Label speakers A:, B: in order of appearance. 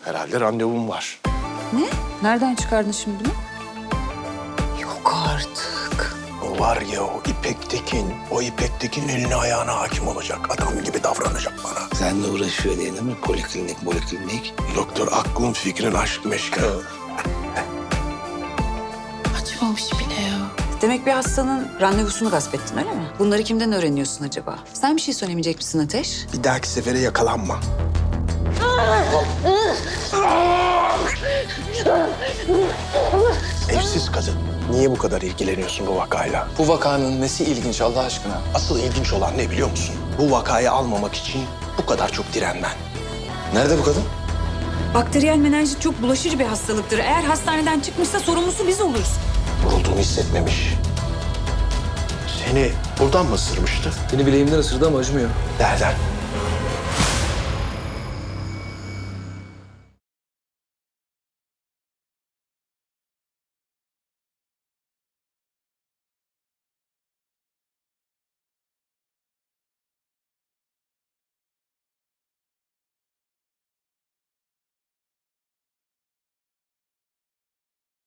A: Herhalde randevum var.
B: Ne? Nereden çıkardın şimdi bunu?
C: Yok artık.
A: O var ya o İpek Tekin. O İpek Tekin eline ayağına hakim olacak. Adam gibi davranacak bana.
D: Seninle uğraşıyor diye değil mi? Poliklinik.
A: Doktor aklın fikrin aşk meşke.
C: Açmamış bile ya.
B: Demek bir hastanın randevusunu gasp ettin öyle mi? Bunları kimden öğreniyorsun acaba? Sen bir şey söylemeyecek misin Ateş?
A: Bir dahaki sefere yakalanma. Evsiz kadın. Niye bu kadar ilgileniyorsun bu vakayla?
E: Bu vakanın nesi ilginç Allah aşkına?
A: Asıl ilginç olan ne biliyor musun? Bu vakayı almamak için bu kadar çok direnmen.
E: Nerede bu kadın?
B: Bakteriyel menenjit çok bulaşıcı bir hastalıktır. Eğer hastaneden çıkmışsa sorumlusu biz oluruz.
A: Vurulduğunu hissetmemiş. Seni buradan mı ısırmıştı?
E: Beni bileğimden ısırdı ama acımıyor.
A: Nereden?